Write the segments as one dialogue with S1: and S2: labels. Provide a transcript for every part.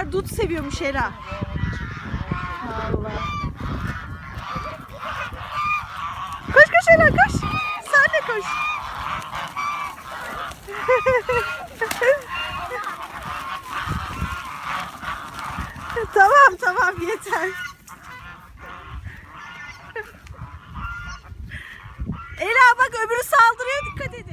S1: Ela dut seviyormuş Ela. Allah. Koş koş Ela koş. Sen de koş. Tamam yeter. Ela bak öbürü saldırıyor, dikkat edin.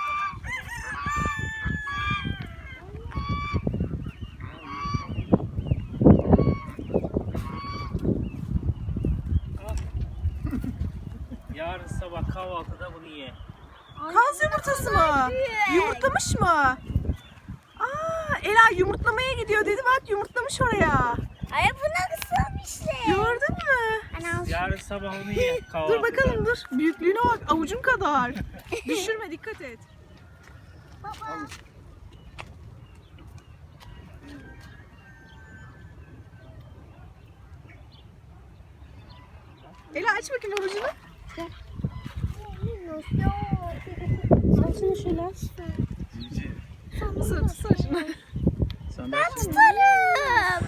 S2: Yarın sabah kahvaltıda bunu ye.
S1: Kaz yumurtası mı? Yumurtlamış mı? Aa, Ela yumurtlamaya gidiyor dedi, bak yumurtlamış oraya.
S3: Ay bu nasıl bir şey?
S1: Gördün mü?
S2: Yarın sabah onu ye kahvaltıda.
S1: Dur bakalım dur. Büyüklüğüne bak, avucun kadar. Düşürme, dikkat et.
S3: Baba.
S1: Ela aç bakayım avucunu.
S3: Al şunu şöyle aç.
S1: Tutsana şunu.
S3: Ben tutarım.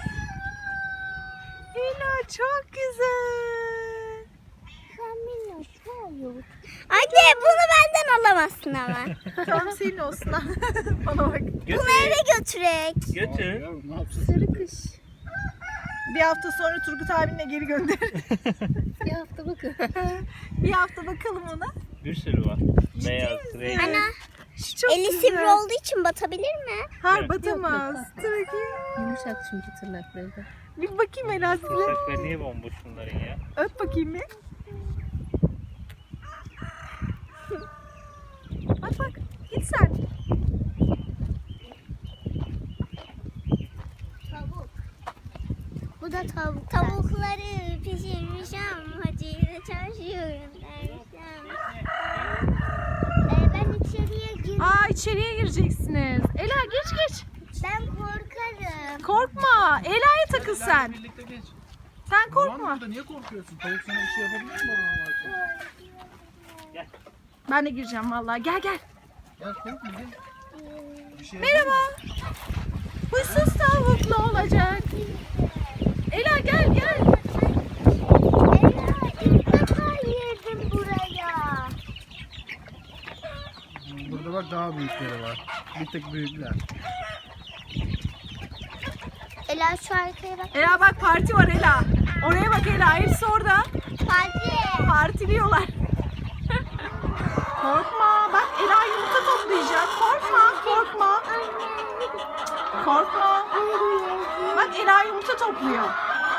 S1: Ela çok güzel.
S3: Anne bunu benden alamazsın ama.
S1: Tamam senin olsun. Bana bak.
S3: Bunu eve götürek.
S2: Götür.
S3: Sarı kış.
S1: Bir hafta sonra Turgut abinle geri gönder.
S3: Bir hafta bakın.
S1: Bir hafta bakalım ona.
S2: Bir sürü var. Beyaz, renk.
S3: Ana
S1: Şu çok
S3: eli
S1: güzel.
S3: sivri olduğu için batabilir mi?
S1: Hayır batamaz. Dur bakayım.
S4: Yumuşak çünkü tırnakları da.
S1: Bir bakayım Ela size.
S2: Bıçakları niye bomboş bunların ya?
S1: Öp bakayım bir. Bak git sen.
S3: Tavuk. Bu da tavuk. Tavukları pişirmişim. Hacı'yla çalışıyorum dermişim. Ben içeriye girdim.
S1: Aa içeriye gireceksiniz. Ela geç.
S3: Ben korkarım.
S1: Korkma. Ela'ya takıl sen.
S5: Birlikte geç.
S1: Sen
S5: Baban
S1: korkma.
S5: burada, niye korkuyorsun? Tavuk sana bir şey yapabilir mi baban varken?
S1: Ben de gireceğim vallahi. Gel.
S5: Gel korkma gel. Bir şey
S1: Merhaba. Huysuz tavuk ne olacak? Ela gel.
S3: Ela ilk defa girdim buraya.
S5: Burada bak daha büyükleri var. Bir tek büyükler.
S3: Ela şu arkaya bak.
S1: Ela bak parti var Ela. Oraya bak Ela. Hepsi orada.
S3: Hadi.
S1: Partiliyorlar. Korkma. Bak Ela yumurta toplayacak. Korkma. Bak Ela yumurta topluyor.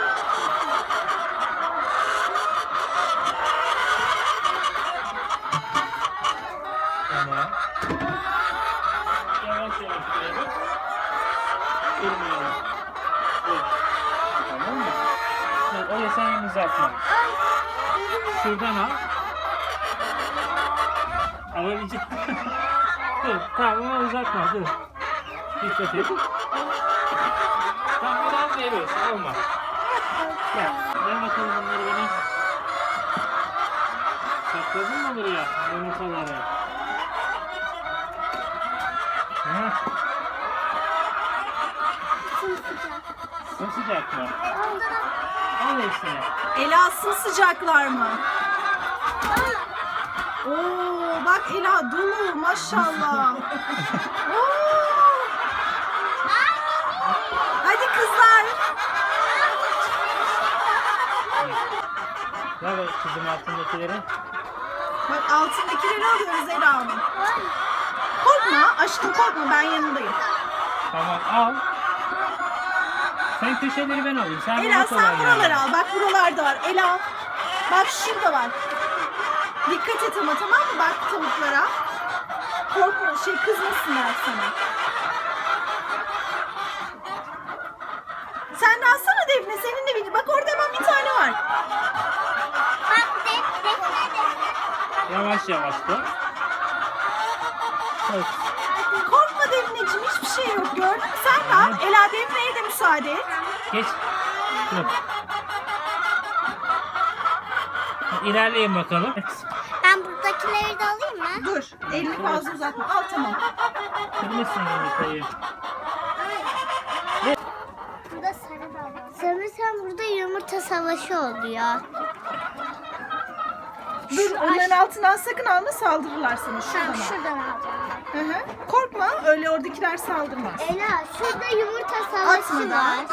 S2: Tamam. Yavaş şuraya bak. Durmayalım. Dur. Tamam mı? Dur, öyle sen elini uzatma. Şuradan al. Alabilecek. Dur, tamam ama uzatma, dur. Dikkat et. Tamam, buradan veriyorsun, olmaz. Gel, ver bakalım bunları bana. Sakladın mı buraya yumurtaları? Sıcak mı? Al hepsini.
S1: Ela sıcaklar mı? Oo bak Ela dolu maşallah. Oo. Hadi kızlar.
S2: Ver bak kızım altındakileri.
S1: Bak altındakileri alıyoruz Ela'nın. Korkma aşkım korkma, ben yanındayım.
S2: Tamam, al. Sen köşeleri ben alayım. Sen
S1: Ela
S2: bana
S1: sen
S2: kolay
S1: buraları
S2: yani.
S1: al. Bak buralarda var. Ela bak şurada var. Dikkat et ama, tamam mı? Bak tavuklara. Korkma kızmasınlar sana. Sen de alsana Defne, senin de bir. Bak orada hemen bir tane var.
S3: Bak defne.
S2: Yavaş yavaş dur. Evet.
S1: Korkma Defneciğim, hiçbir şey yok, gördün mü? Sen de al. Ela Defne'ye de müsaade et.
S2: Geç. Dur. İlerleyin bakalım.
S3: Ben buradakileri de alayım mı?
S1: Dur, elini fazla uzatma. Al tamam.
S2: Kırmışsın yumurtayı.
S3: Burada yumurta savaşı oluyor.
S1: Dur onların altından sakın alma, saldırırlar sana. Şuradan
S3: Tamam
S1: al.
S3: şuradan alacağım.
S1: Hı hı. Korkma, öyle oradakiler saldırmaz.
S3: Ela şurada yumurta savaşı
S1: Atma da.
S3: var.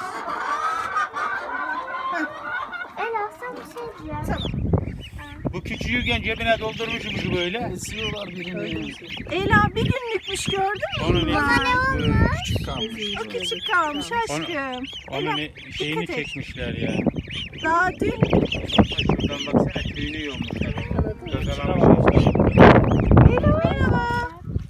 S1: Heh,
S3: Ela sen bir şey diyeceğim.
S1: tamam.
S5: Bu küçüğüyken cebine doldurmuşuz böyle.
S6: Esiyorlar birini.
S1: Ela bir günlükmüş, gördün mü?
S5: Onun
S6: Küçük kalmış.
S1: O küçük kalmış aşkım.
S5: onun şeyini
S1: dikkat et.
S5: çekmişler ya.
S1: Daha dün
S5: Şuradan baksana tüyünü yolmuşlar. Gagalamışlar.
S1: merhaba.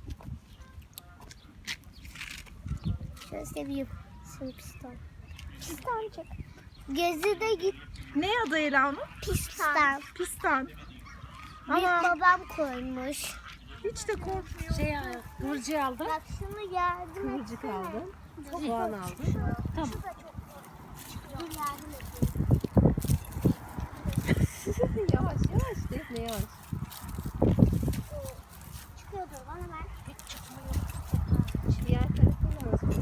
S3: Şöyle seveyim. Şöyle piston. Piston çek. Gezide git.
S1: Ne adı Ela onun?
S3: Piston.
S1: Pistan.
S3: Büyük
S1: Ama
S3: babam koymuş.
S1: hiç de korkmuyor.
S4: Kıvırcığı aldım.
S3: Bak şunu yardım
S4: Kıvırcık
S3: etsene.
S4: aldım.
S3: Çok
S4: Soğan
S3: çok
S4: aldım.
S3: küçük.
S4: Tamam.
S3: Şu da çok. Dur yardım edeyim.
S4: Yavaş yavaş Defne yavaş.
S3: Çıkıyordur bana ver.
S4: Diğer tarafına bak.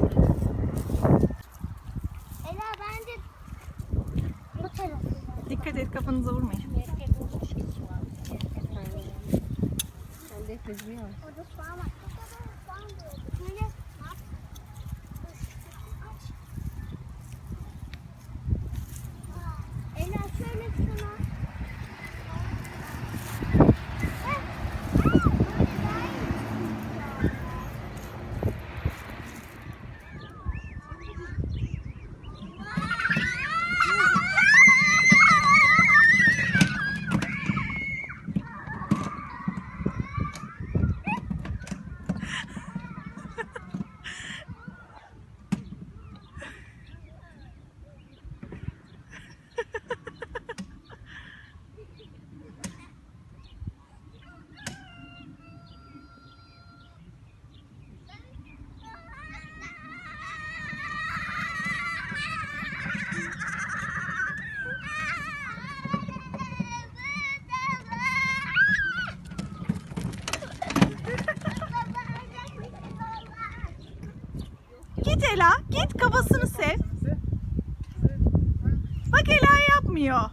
S3: Ela bence bu tarafı.
S1: Dikkat et, kafanıza vurmayın.
S4: Sen Defne'cim yavaş.
S3: Orada soğan var. Soğan diyordu. Şöyle yap. Aç. Ela şöyle şuna.
S1: Git Ela, git kafasını sev. Bak Ela yapmıyor.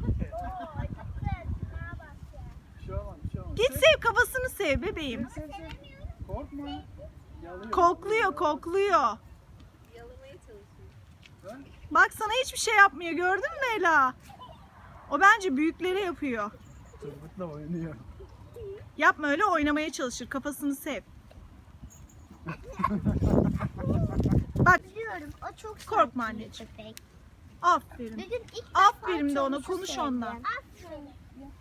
S6: Bir şey olmaz, bir şey olmaz.
S1: Git sev, kafasını sev bebeğim.
S6: Korkma. Yalıyor.
S1: Kokluyor, kokluyor.
S4: Yalamaya çalışıyor.
S1: Bak sana hiçbir şey yapmıyor, gördün mü Ela? O bence büyüklere yapıyor.
S6: Çocukla oynuyor.
S1: Yapma öyle, oynamaya çalışır, kafasını sev. Bak
S3: Biliyorum o çok
S1: Korkma
S3: sakin bir
S1: anneciğim.
S3: köpek.
S1: aferin.
S3: Bir gün ilk
S1: Aferin de
S3: defa
S1: ona,
S3: çavuşu
S1: konuş
S3: sevdim.
S1: onunla.
S3: Aferin.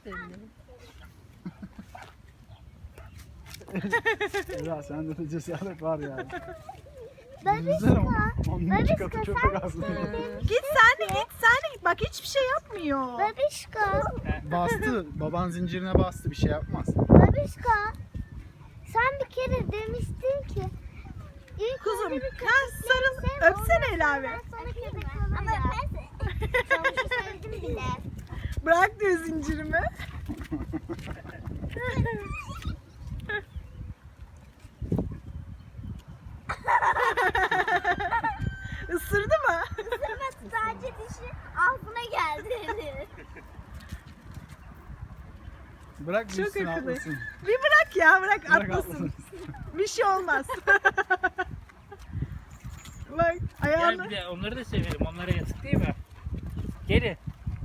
S4: Defne.
S6: Ya sende de cesaret var yani.
S3: Babiska.
S6: Onun iki katı
S3: Babiska
S6: köpek aslında.
S1: Git sen de git, sen de git. Bak hiçbir şey yapmıyor.
S3: Babişka.
S6: Bastı. Baban zincirine bastı. Bir şey yapmaz.
S3: Babişka. Sen bir kere demiştin ki ilk
S1: Kuzum,
S3: önce bir
S1: ha,
S3: köpekleri
S1: sarıl,
S3: sev,
S1: öpsene
S3: ondan
S1: Ela
S3: sonra
S1: be.
S3: ben sana köpek alırım. Ama ben çavuşu sevdim bile.
S1: Bırak diyor zincirimi. Isırdı mı?
S3: Isırmadı, sadece dişi ağzına geldi.
S6: Bırak
S1: Çok
S6: düşsün
S1: akıllı.
S6: atlasın.
S1: Bir bırak ya, bırak
S6: Bırak
S1: atlasın.
S6: atlasın.
S1: Bir şey olmaz. Bak
S2: Gel
S1: ayağını.
S2: bir de onları da severim. Onlara yazık değil mi? Gelin.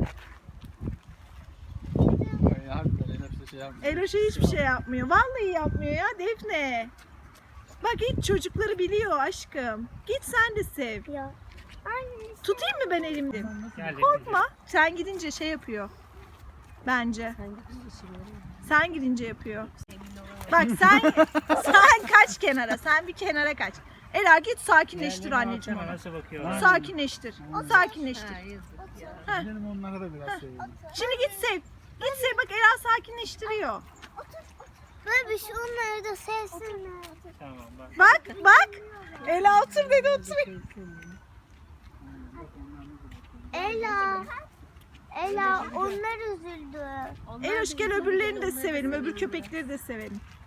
S6: Ay, harbiden hepsi şey yapmıyor.
S1: Eloş'a hiçbir şey yapmıyor. Vallahi yapmıyor ya Defne. Bak hiç çocukları biliyor aşkım. Git sen de sev.
S3: Ya. Anne.
S1: Tutayım mı ben elimde?
S2: Gel
S1: Korkma. Sen gidince şey yapıyor. Bence.
S4: Sen gidince işini
S1: Sen gidince yapıyor. Bak sen kaç kenara. Sen bir kenara kaç. Ela git sakinleştir anneciğim onu.
S2: Nasıl bakıyorlar?
S1: Sakinleştir. Sakinleştir.
S4: Ha yazık ya.
S6: Gidelim onlara da biraz seveyim.
S1: Şimdi git sev. Git sev, bak Ela sakinleştiriyor.
S3: Babiş onları da sevsinler.
S2: Tamam bak.
S1: Bak. Ela otur dedi, otur.
S3: Ela. Ela onlar üzüldü.
S1: Eloş gel öbürlerini de sevelim. Öbür köpekleri de sevelim.